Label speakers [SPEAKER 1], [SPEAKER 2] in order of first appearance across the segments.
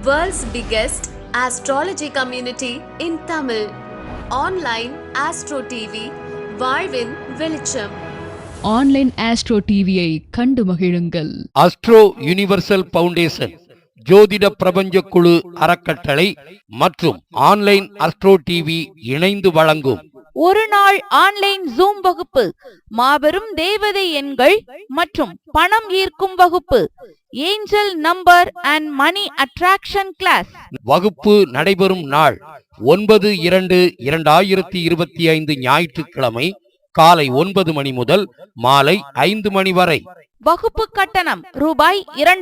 [SPEAKER 1] World's biggest astrology community in Tamil. Online Astro TV, வாழ்வின் வெளிச்சம்.
[SPEAKER 2] Online astro டிவியை கண்டு மகிழுங்கள்.
[SPEAKER 3] அஸ்ட்ரோ யுனிவர்சல் பவுண்டேஷன், ஜோதிட பிரபஞ்ச குழு அறக்கட்டளை மற்றும் ஆன்லைன் அஸ்ட்ரோ டிவி இணைந்து வழங்கும்
[SPEAKER 4] ஒரு நாள் ஆன்லைன் ஜூம் வகுப்பு, மாபெரும் தேவதை எண்கள் மற்றும் பணம் ஈர்க்கும் வகுப்பு, angel number and money attraction class.
[SPEAKER 3] வகுப்பு நடைபெறும் நாள் 9/2/2025 ஞாயிற்றுக்கிழமை காலை 9 மணி முதல் மாலை 5 மணி வரை.
[SPEAKER 4] வகுப்பு கட்டணம் ரூபாய்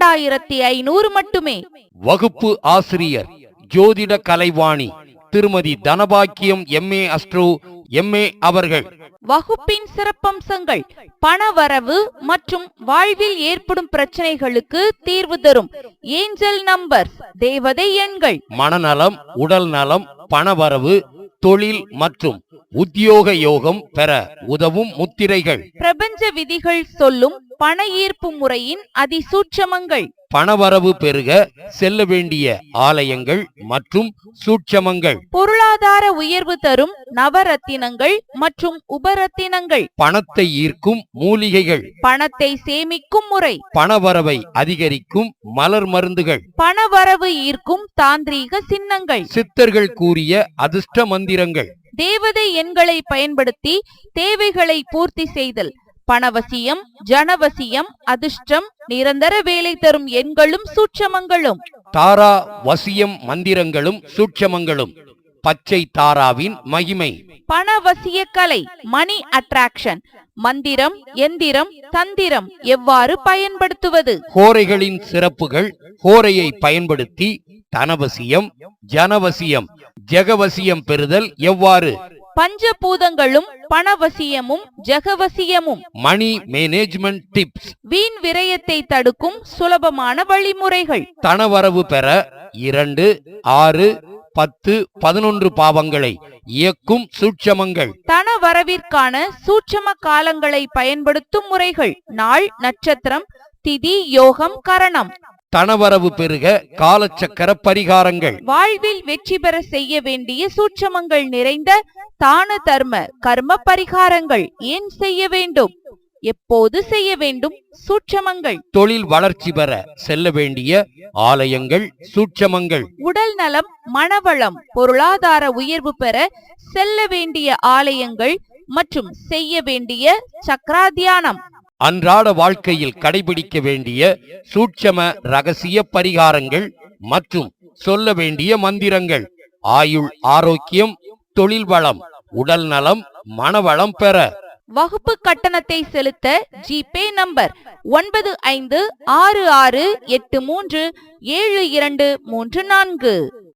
[SPEAKER 4] 2500 மட்டுமே.
[SPEAKER 3] வகுப்பு ஆசிரியர் ஜோதிட கலைவாணி திருமதி தனபாக்கியம் MA அஸ்ட்ரோ MA அவர்கள்.
[SPEAKER 4] வகுப்பின் சிறப்பம்சங்கள்: பணவரவு மற்றும் வாழ்வில் ஏற்படும் பிரச்சனைகளுக்கு தீர்வு தரும் ஏஞ்சல் நம்பர்ஸ், தேவதை எண்கள்,
[SPEAKER 3] மனநலம், உடல் நலம், பணவரவு, தொழில் மற்றும் உத்தியோக யோகம் பெற உதவும் முத்திரைகள்,
[SPEAKER 4] பிரபஞ்ச விதிகள் சொல்லும் பண ஈர்ப்பு முறையின் அதிசூட்சமங்கள்,
[SPEAKER 3] பணவரவு பெருக செல்ல வேண்டிய ஆலயங்கள் மற்றும் சூட்சமங்கள்,
[SPEAKER 4] பொருளாதார உயர்வு தரும் நவரத்தினங்கள் மற்றும் உபரத்தினங்கள்,
[SPEAKER 3] பணத்தை ஈர்க்கும் மூலிகைகள்,
[SPEAKER 4] பணத்தை சேமிக்கும் முறை,
[SPEAKER 3] பணவரவை அதிகரிக்கும் மலர் மருந்துகள்,
[SPEAKER 4] பணவரவு ஈர்க்கும் தாந்திரீக சின்னங்கள்,
[SPEAKER 3] சித்தர்கள் கூறிய அதிர்ஷ்ட மந்திரங்கள்,
[SPEAKER 4] தேவதை எண்களை பயன்படுத்தி தேவைகளை பூர்த்தி செய்தல், பணவசியம், ஜனவசியம், அதிர்ஷ்டம், நிரந்தர வேலை தரும் எண்களும் சூட்சமங்களும்,
[SPEAKER 3] தாரா வசியம் மந்திரங்களும் சூட்சமங்களும், பச்சை தாராவின் மகிமை,
[SPEAKER 4] பணவசிய கலை, மணி அட்ராக்ஷன், மந்திரம், எந்திரம், தந்திரம் எவ்வாறு பயன்படுத்துவது,
[SPEAKER 3] ஹோரைகளின் சிறப்புகள், ஹோரையை பயன்படுத்தி தனவசியம், ஜனவசியம், ஜெகவசியம் பெறுதல் எவ்வாறு,
[SPEAKER 4] பஞ்சபூதங்களும் பணவசியமும் ஜெகவசியமும்,
[SPEAKER 3] மணி மேனேஜ்மெண்ட் டிப்ஸ்,
[SPEAKER 4] வீண் விரயத்தை தடுக்கும் சுலபமான வழிமுறைகள்,
[SPEAKER 3] தனவரவு பெற 2, 6, 10, 11 பாவங்களை இயக்கும் சூட்சமங்கள்,
[SPEAKER 4] தனவரவிற்கான சூட்சம காலங்களை பயன்படுத்தும் முறைகள், நாள், நட்சத்திரம், திதி, யோகம், கரணம்,
[SPEAKER 3] தனவரவு பெருக காலச்சக்கர பரிகாரங்கள்,
[SPEAKER 4] வாழ்வில் வெற்றி பெற செய்ய வேண்டிய சூட்சமங்கள் நிறைந்த தான தர்ம கர்ம பரிகாரங்கள், ஏன் செய்ய வேண்டும், எப்போது செய்ய வேண்டும், சூட்சமங்கள்,
[SPEAKER 3] தொழில் வளர்ச்சி பெற செல்ல வேண்டிய ஆலயங்கள், சூட்சமங்கள்,
[SPEAKER 4] உடல் நலம், மனவளம், பொருளாதார உயர்வு பெற செல்ல வேண்டிய ஆலயங்கள் மற்றும் செய்ய வேண்டிய சக்ராத்தியானம்,
[SPEAKER 3] அன்றாட வாழ்க்கையில் கடைபிடிக்க வேண்டிய சூட்சம ரகசிய பரிகாரங்கள் மற்றும் சொல்ல வேண்டிய மந்திரங்கள், ஆயுள் ஆரோக்கியம், தொழில் வளம், உடல் நலம், மனவளம் பெற.
[SPEAKER 4] வகுப்பு கட்டணத்தை செலுத்த ஜிபே நம்பர் 9566837234.